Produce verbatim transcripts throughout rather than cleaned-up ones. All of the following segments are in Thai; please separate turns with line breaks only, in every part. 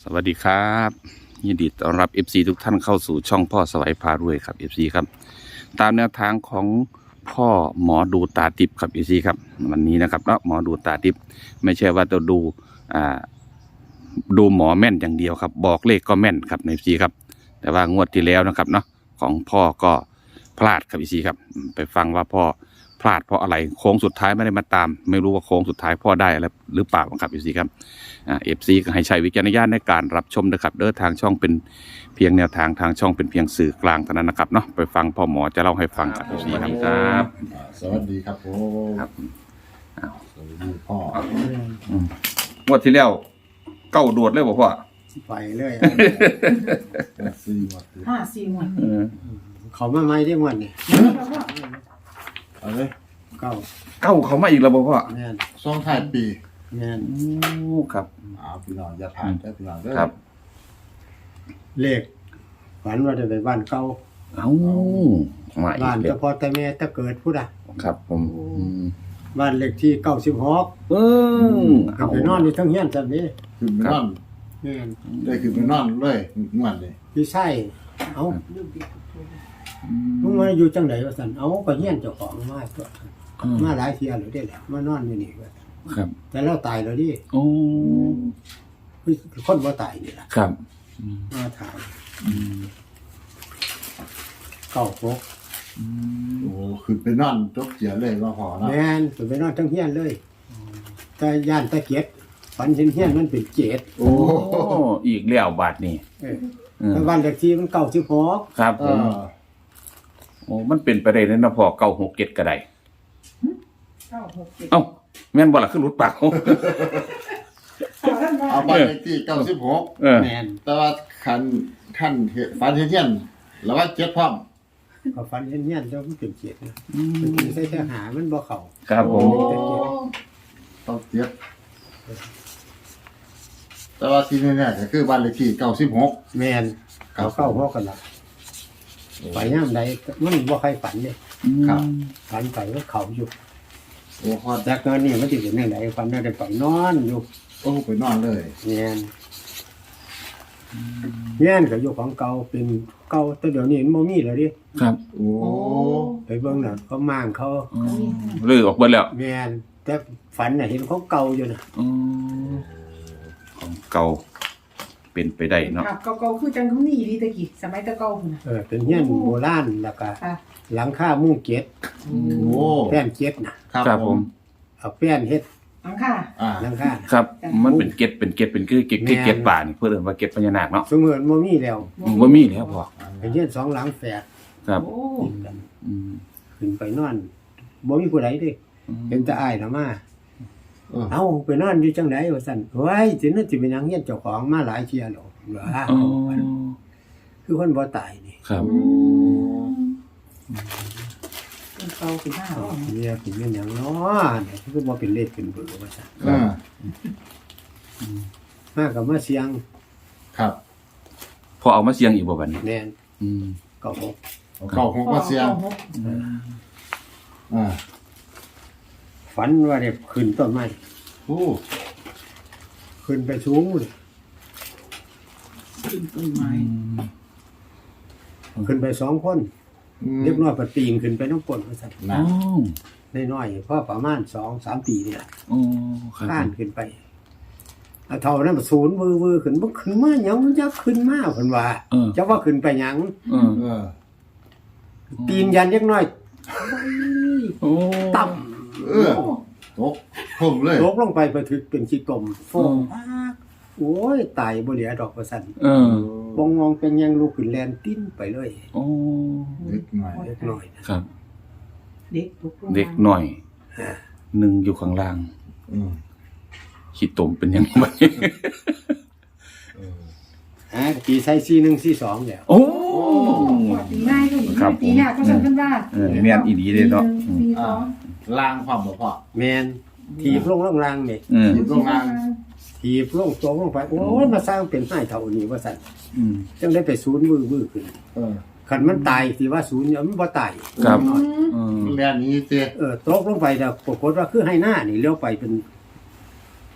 สวัสดีครับยินดีต้อนรับ เอฟ ซี ทุกท่านเข้าสู่ช่องพ่อสวัยพารวยครับ เอฟ ซี ครับตามแนวทางของพ่อหมอดูตาทิพย์ครับ เอฟ ซี ครับวันนี้นะครับเนาะหมอดูตาทิพย์ไม่ใช่ว่าจะดูอ่าดูหมอแม่นอย่างเดียวครับบอกเลขก็แม่นครับใน เอฟ ซี ครับแต่ว่างวดที่แล้วนะครับเนาะของพ่อก็พลาดครับ เอฟ ซี ครับไปฟังว่าพ่อพลาดเพราะอะไรโค้งสุดท้ายไม่ได้มาตามไม่รู้ว่าโค้งสุดท้ายพ่อได้อะไรหรือเปล่าครับ เอฟ ซี ครับเอฟซีก็ให้ใช้วิจารณญาณในการรับชมนะครับเด้อทางช่องเป็นเพียงแนวทางทางช่องเป็นเพียงสื่อกลางเท่านั้นนะครับเนาะไปฟังพ่อหมอจะเล่าให้ฟังครับ เอฟ ซี ครับครับ
สวัสดีครับผม
ครับ
สวัสดีพ่อง
วดที่แล้วเก้าโดดเลยบ่พ่อ
ไปเลย
สี่หมด
ห้าสี่หมวด
เออ
เขามาไม่ได้หมดนี่
เอาเลย
เก้า
เก้าเขามาอีกแล้วบ่พ่อ
แม่น
ช่วงท้ายปี
แม่น
โอ้ครับ
อ้าวพี่น้องอย่าผ่านได้อพี่น้องเด้อ
ครับ
เลขฝันว่าจะไปบ้านเก่า
เอ้ามาอี
บ้าก น
แล้
เฉ
ว
พาะแต่แม่แต่เกิดผู้ใด
ครับผมอืม
บ้านเลขที่เก้าสิบหก
เออเอา
ไปนอนอยู่ทั้งเฮียนแบบนี้
ขึ้นไปนอน
แม่น
ได้ขึ้นไปนอนเลยงวดเลย
พี่ไส้เอ้ามึงมาอยู่จังไหนวะสันเอ้าก็เฮียนเจ้าของมาตัวมาหลายเที่ยแล้วได้แหละมานอนอยู่นี่ว่าซั่น
ครับ
แต่เราตายแล้วดิ
โอ้
คือคนบ่ตายนี่ล่ะ
ครับ
มาถ่าย
อืม
เก้าหก
อืม
โอ้ขึ้นไปนอนจกเจียเลยว่าพอเนาะ
แม่นไปนอนทั้งเฮียนเลยแต่ย่านตะเกียบฝันเห็นเฮียนมันเป็นเจ็ด
โอ้
โอ้อีกแล้วบาทนี่
เออ
เออ
แต่บ้านเลขที่มันเก้าสิบหก
ครับ
เอ
ผม
อ
โอ้มันเป็นไปได้เลยนะพ่อเก้าหกเจ็ดก็ได้
เก้าหกเจ็ด
เอ้าแม่นบ่ล่ะขึ้นรุดปากเขา
เอาท่านว่า
เอาบ้านเลขที่เก้าสิบหก
เออ
แมน
แต่ว่าคันท่านเห็นฝันเห็นเทียนแล้วว่าเจ็ดพร้อม
เขาฝันเห็นเฮียนเจ้ามันเป็นเจ็ดนะมันเป็นใส่ทหารมันบ่เข้า
ครับผ
โอ้
ม
ต้องเจ็ดแต่ว่าที่แน่ๆก็คือบ้านเลขที่เก้าสิบหก
แมนเขาเข้าหกกันละไปย่ามใดมันบ่ใครฝันเนี่ย
ครับ
ฝันไปว่าเขาอยู่
โอ้ฮอด
จากนั้นนี่มันสิเป็นจังไดฝันว่าได้ไปนอนอยู่
โอ้ไปนอนเลย
แมนเฮียนก็อยู่ของเก่าเป็นเก่าแต่เดี๋ยวนี้มันบ่มีแล้วดิ
ครับ
โอ้
โอ้
ไปเบิ่งน่ะเขามางเขา
อืมลือออกเบิดแล้ว
แมนแต่ฝันน่ะเห็นเขาเก่าอยู่น่ะ
อืมของเก่าเป็นไปได้เนาะ
ครับเก่าๆคือจังเขานี่ดีตะกี้สมัยตะเก่าพุ่นน่ะ
เออเป็นเฮียนโบราณแล้วก็
ค่ะ
หลังคามุ้งเก็ด
โอ้
แป้นเก็ดน่ะ
ครับผม
เอาแป้นเฮ็ด
อังค่ะ
อ่า
หลังคาน่ะ
ครับ มันเป็นเก็ดเป็นเก็ดเป็นคือเก็ด
แม่น
เก็ดป่านี่เพื่อเรียกว่าเก็ดพญานาคเนาะ
สมมุติบ่มีแล้ว
ว่ามีแล้วพ่อ
เป็นเฮียนสองหลังแฝด
ครับ
โอ้
ติดกัน
อืม
ขึ้นไปนอนบ่มีผู้ใดเด้เห็นแต่อ้ายน่ะมา
เออ
เอ้าไปนอนอยู่จังไดว่าซั่นเฮ้ยสินั่นสิเป็นหยังเฮียนเจ้าของมาหลายเที่ยแล้วเหรอ
อ๋อ
คือคนบ่ตายนี่
ครับ
เป็นเก่าเป็นห้าร้อย
เนี่ยเป็นหยังเนาะเนี่ยคือบ่เป็นเลขเป็นเบอร์ว่าซั่น
อ่า
มาก็มาเสียง
ครับ
พอเอามาเสียงอีกบ่บัดนี้
แน่น
อืม
ก็หก
เอาเก้าหกมาเสียง
หก
อ่า
ฝันว่าได้ขึ้นต้นไม้
โอ้
ขึ้นไปสูงเลย
ขึ้นต้นไม้
ขึ้นไปสองคน
อืม
เล็กน้อยก็ปีนขึ้นไปน้ำปนว่าซั่น
นะ
อ๋อ
น้อยๆพอประมาณสองสามปีนี่ล่ะ
อ๋อครับ
ข้านขึ้นไปเอาเท่านั้นศูนย์วือวือขึ้นบ่ขึ้นมาหยังมันจะขึ้นมาเพิ่นว่า
เออ
จะว่าขึ้นไปหยัง
เออ
เออ
ปีนยันเล็กน้อย
โอ้
ต่ำ
เออตกผมเลย
ตกลงไปไปถึกเป็นขี้ตมโฟมพากโอ้ยตายบ่เหลือดอกว่าซั่น
เออ
บงงองเป็นยังลุกขึ้นแลนติ้นไปเลย
โอ้
เล็กหน่อย
เล็กน้อยนะครับ
เด็กตกลงมา
เด็กหน่อยหนึ่งอยู่ข้างล่าง
อืม
ขี้ตมเป็นยังไง
เออ
ฮะปีใส่สี่หนึ่งสี่สองแล้ว
โอ้
ตีง่ายก็
ครับ
ตียากก็สั่นกันว่า
เออแม่นอีหลีเลยเนาะ
สี่ส
อ่า
อง
ล่างความบ่พอ
แมนถีบลงล่างล่างนี่
อืม
อยู่ตรงล่าง
ถีบลงตัวลงไปโอ้ยมาสร้างเป็นให้เท่านี้ว่าสั่น
อืม
จังได้ไปศูนย์มือมือขึ้น
เออ
ขันมันตายสิว่าศูนย์เนี่ยมันบ่ตาย
ครับ
อืม
อืม
เรียนนี้เจ้
เออตกลงไปแต่ปรากฏว่าคือให้หน้านี่เลี้ยวไปเป็น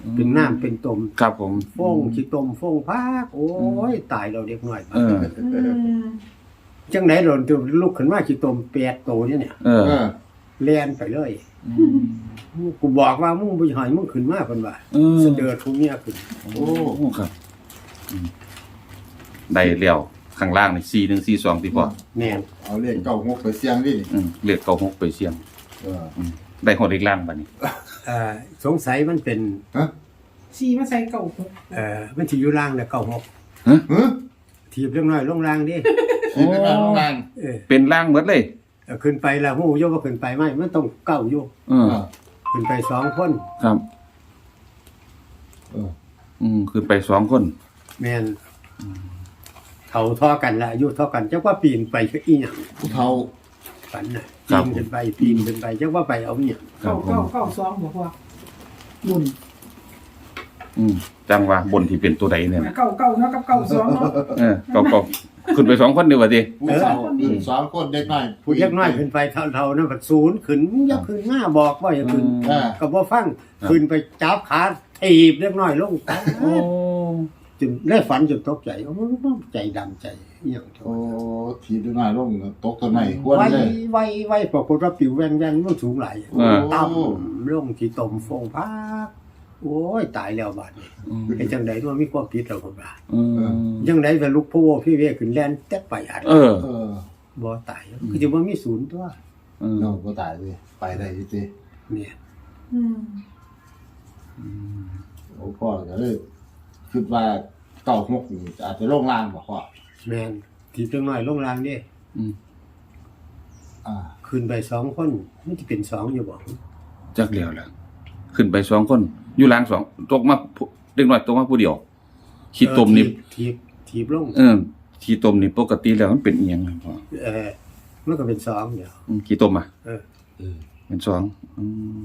เป็นน้ำเป็นต้ม
ครับผม
ฟงขี้ต้มฟงพากโอ้ยตายเราเด็กน้อย
เออ
อืม
จังไหนโดนตัวลุกขึ้นมาขี้ต้มแปดโตเนี่ยเนี่ย
เออ
เออ
แล่นไปเลย กูบอกว่ามึงบ่ให้มึงขึ้นมาเพิ่นว่า
เออ
เสด็จผู้เมียขึ้น
โอ้ครับอืมได้เลี้ยวข้างล่างนี่สี่หนึ่งสี่สองที่พอ
แม่น
เอาเลขเก้าหกไปเสี่ยงดินี่
อืมเลือกเก้าหกไปเสี่ยง
เออ
อืมได้หอดอีกล่างบัดนี้
เอ่อสงสัยมันเป็น
ฮะ
ชีมาใส่เก่าหก
เอ่อมันสิอยู่ล่างแล้วเก้าหก
ฮะ
ถีบเล็กน้อยลงล่างดิ
สี่ในบ้านโรงงาน
เออ
เป็นล่างหมดเลย
เอาขึ้นไปแล้วฮู้อยู่ว่าขึ้นไปไหมมันต้องเก้าอยู่
เออ
เออ
ขึ้นไปสองคน
ครับ
เออ
อืมคือไปสองคน
แม่นเขาเท่อกันละอายุเท่อกันจักว่าปีนไปคืออีหยัง
ผู้เฒ่า
ฝันน่ะปีนขึ้นไปปีนขึ้นไปจักว่าไปเอาเนี่ย
ครั
เก่า
บผม
เก่าเก่าสองบอกว่าบุญ
อืมจังว่าบนที่เป็นตัวใดเนี่ยนะ
เก่าเก่าเนาะกับเก่าสองเนาะ
เออก็ก็ขึ้นไปสองคนดีกว่าดิ
ผู้เฒ่าอืมสองคนเด็กน้อย
ผู้เล็กน้อยขึ้นไปเท่าๆนั้นบัดศูนย์ขึ้นอย่าขึ้นมาบอกว่าอย่าขึ้น
อ่า
ก็บ่ฟังขึ้นไปจับขาถีบเล็กน้อยลงตาย
โอ้
จนได้ฝันจนตกใจโอ้ใจดำใจอหย่างเท่า
โอ้ทีเด็กน้อยลงตกต้นไม้ควน
ไว้
เลย
ไว้ไว้ปรากฏว่าปิวแว่งแว่งมันสูงหลาย
โอ้
ต่ำลงที่ตมฟงพักโอ้ยตายแล้วบาดนี้
อืม
ไอ้จังไดว่ามีความผิดแล้วบ่บาด
อืม
จังไดไปลุกโพพี่เวขึ้นแล่นแต่ไปอัด
เออ
เออ
บ่ตายคือสิบ่มีศูนย์ตัว
เออ
เราก็ตายเลยไปได้จริง
เนี่ย
อืม
ๆโอ้พ่อก็เลยคิดว่าเก้าหกนี่อาจจะลงล่างบ่พ่อ
แม่นที่จังน้อยลงล่างนี่
อืม
อ่า
ขึ้นไปสองคนมันสิเป็นสองอยู่บ่
จักเลียวแหละขึ้นไปสองคน อยู่ล่างสองตกมาผู้เด็กน้อยตกมาผู้เดียวขี้ตมนี่
ถีบถีบลง
เออขี้ตมนี่ปกติแล้วมันเป็นอีหยังครับพ่อ
เออมันก็เป็นสองเดียว
อืมขี้ตมอ่ะ
เออ
เออ
เป็นสองอืม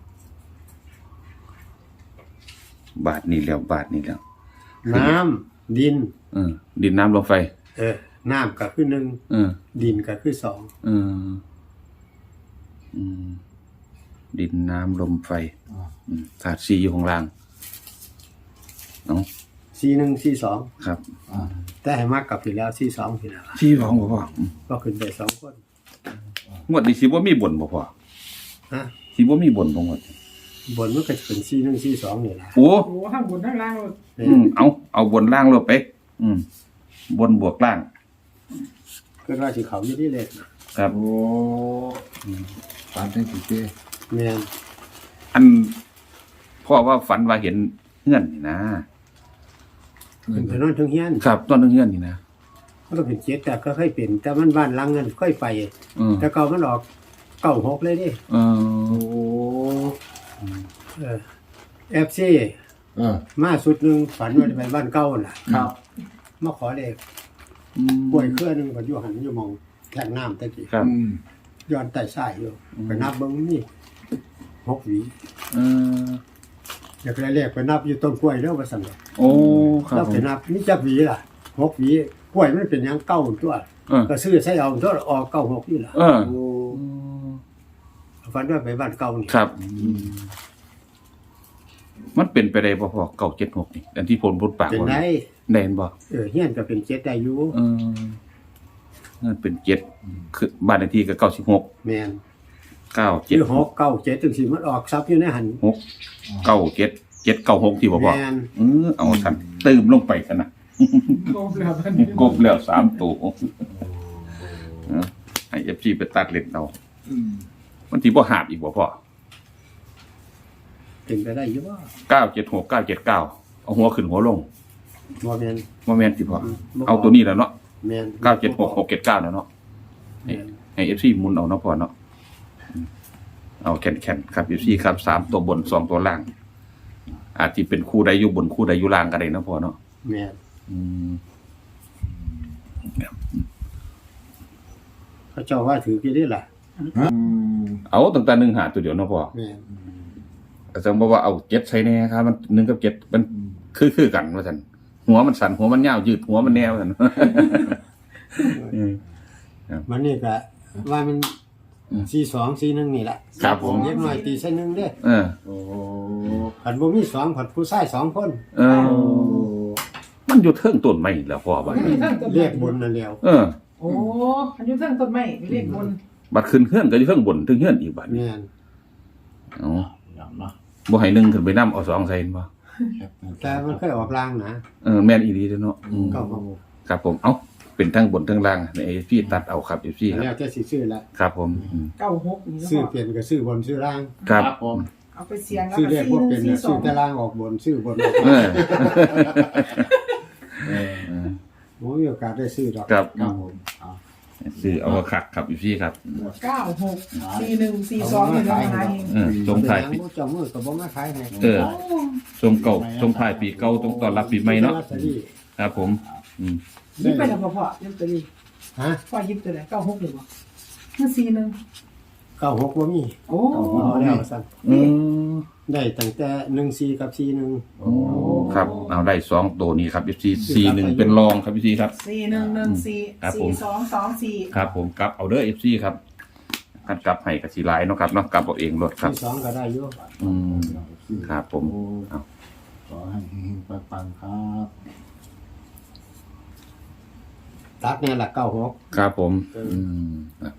บาทนี่แล้วบาทนี่แล้ว
น้ำดิน
เออ ดินน้ำลมไฟ
เออน้ำก็คือหนึ่ง
เออ
ดินก็คือสอง
เอออืมดินน้ำลมไฟ
อ่า
อืมถาดซีอยู่ข้างล่างเนาะ
สี่หนึ่งสี่สอง
ครับ
อ่า
แต่ให้มากกลับไปแล้วสี่สองไปแล้ว
ซีร้องบ่พ่ออืม
ก็ขึ้นไปสองคน
งวดนี้สิบ่มีบ่นบ่พ่อ
ฮะ
สิบ่มีบ่นบ่งวด
บนมันก็จะเป็นสี่หนึ่งสี่สองนี่แหละ
โอ้
โอ้ข้างบนข้างล่างเลย
อืมเอาเอาบนล่างลงไป อืม บนบวกล่าง
ก็ว่าสิเขาอยู่ที่เล็กนะครับ
โอ้ฝันเป็นสิเจ้
แม่น
อันพ่อว่าฝันว่าเห็นเงื่อนนี่นะ
เป็นไปนอนทั้งเฮียน
ครับต้นเงื่อนนี่นะ
มันก็เป็นเจ็ดแต่ก็ค่อยเป็นแต่มันบ้านหลังนั้นค่อยไป
เออ
แต่เก่ามันออกเก้าหกเลยดิ
เออ
โอ้
เออเอฟซี
เออ
มาสุดหนึ่งฝันว่าจะไปบ้านเก่าน่ะ
ครับ
มาขอเลข
อืม
กล้วยเครือหนึงก็อยู่หันอยู่หมองแทงน้ำตะกี้
ครับ
อืม
ย้อนใต้ทรายอยู่ไปนับเบิ่งนี่หกหวี
เออ
อยากได้เลขไปนับอยู่ต้นกล้วยแล้วว่าซั่นดอก
โอ้ครับ
แล้ว
ผ
ไป
ม
นับนี่จักหวีล่ะหกหวีกล้วยมันเป็นหยังเก้าตัว
เออ
ก็ซื้อใส่เอาตัวออกเก้าหกนี่ล่ะ
เออ
โอ้
ฝันว่าไปบ้านเก่านี่
ครับ มันเป็นไปได้บ่พ่อเก้าเจ็ดหกนี่อันที่ผลพูดปาก
เป็น
ว่า
ได้
แน่นบ่
เออเฮียนก็เป็นเจ็ดได้อยู่
เออนั่นเป็นเจ็ดคือบ้านเลขที่ก็เก้าสิบหก
แม่น
เก้า
ห
เจ็ด
รือหกเก้าเจ็ดจังซี่มันออกซับอยู่ในหัน
หกเก้าเจ็ดเจ็ดเก้าหกที่บ่พ่อ
แม่น
เออเอาทันตืมลงไปกันนะ
โกบแล้วพันนี้
กบแล้วสามตัวเออให้เอฟซีไปตัดเล่นเอา
อืม
มันที่บ่หาบอีกบ่พ่อ
เป็นไปได้อยู่ว่า
เก้าเจ็ดหกเก้าเจ็ดเก้าเอาหัวขึ้นหัวลง
บ่แม่น
ว่าแม่นสิพ่อ
บ่
เอาตัวนี้แล้วเนาะ
แม่น
เก้าเจ็ดหกหกเจ็ดเก้าแล้วเนาะ
แม่น
ให้เอฟซีหมุนเอาเนาะพ่อเนาะอืมเอาแข็งๆครับเอฟซีครับสามตัวบนสองตัวล่าง อาจจะเป็นคู่ใดอยู่บนคู่ใดอยู่ล่างก็ได้เนาะพ่อเนาะ
แม่น
อืม
เขาเจ้าว่าถือกี่ได้ล่ะ
อืม
เอาตั้งแต่หนึ่งหาตัวเดียวเนาะพ่อ
แม่น
อาจารย์บอกว่าเอาเจ็ดใช้แน่ครับมันหนึ่งกับเจ็ดมันคือคือกันว่าสันหัวมันสั่นหัวมันยาวยืดหัวมันแนวสัน อืม
มันนี่ก็ว่ามันสี่สองสี่หนึ่งนี่แหละ
ครับผม
เล็กน้อยตีใส่หนึ่งเด้อ
เออ
โอ้
ผัดบ่มีสองผัดผู้ชายสองคน
เออ มันอยู่เทิงต้นไม้แล้วพ่อบัด
อยู่เทิงต้นไม้
เรียกบนนั่นแล้ว
เออ
โอ้อันอยู่เทิงต้นไม้เรียกบน
บัดขึ้นเฮือนก็อยู่เทิงบนถึงเฮือนอีกบัดนี้
แม่น
เอ๋อ
อย่างเนาะ
บ่ให้หนึ่งขึ้นไปนำเอาสองใส่เห็นบ่
แต่มันเคยออกลางนะ
เออแม่นอีหลีเด้อเนาะอืม
เก้าหก
ครับผมเอ้าเป็นทั้งบนทั้งล่างในพี่ตัดเอาครับอยู่พี่ครับ
แล้วจะสิซื้อละ
ครับผมอืม
เก้าหกนี่
ซื้อ
เนาะ
เปลี่ยนก็ซื้อบนซื้อล่าง
ครับ
ผม
เอาไปเสียงแล้ว
ซื้อ
ก็
เรียก
สี่
ว่า
ห
เป็
นึ่
น
งสี่
น่ะ
ส
ซื้
อ
อง แต่ล่างออกบนซื้อบนออก
เอ
ล่าง
อ
เออ
โอ้มีโอกาสได้ซื้อดอก
ครับ
ครับผมเอา
ซื้อเอาคักครับอยู่พี่ครับ
เก้าหกสี่หนึ่งสี่สองนี่เราหาเอง
เออทรงท้ายปี
บ่เจ้ามือก็บ่มาขายให้
เออ ทรงเก่าทรงท้ายปีเก่าต้องต้อนรับปีใหม่เนาะ
ลอตตอรี่
ครับผมอืม
ยิบไปแล้วพ่อพ่อยิบตัวนี้
ฮะ
พ่อยิบตัวไหนเก้าหกหรือเปล่ามันสี่หนึ่ง
เก้าหกบ่มี
โอ้
เอาแล้วซั่น
อืม
ได้ตั้งแต่หนึ่งสี่กับสี่หนึ่ง
โอ้ครับเอาได้สองตัวนี้ครับ เอฟ ซี สี่หนึ่งเป็นรองครับ เอฟ ซี ครับ
สี่หนึ่งหนึ่งสี่
ครับผม
สี่สองสองสี่
ครับผมกลับเอาเด้อ เอฟ ซี ครับคันกลับให้กับสีลายเนาะครับเนาะกลับเอาเองรถครับ
ที่สองก็ได้อยู่
อืมครับผม เอา
ขอให้เฮงๆปังๆครับ
ตัดเนี่ยละเก้าหก
ครับผม
เอออื
อืมครับ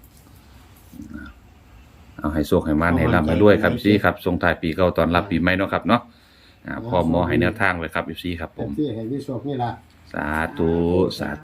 เอาให้โชคให้มันให้ร่ำให้รวยครับ เอฟ ซี ครับส่งท้ายปีเก่าตอนรับปีใหม่เนาะครับเนาะอ่าพ่อหมอให้แนวทางไว้ครับ เอฟ ซี ครับผม
ที่ให้วิโชคนี่ล่ะ
สาธุสาธุ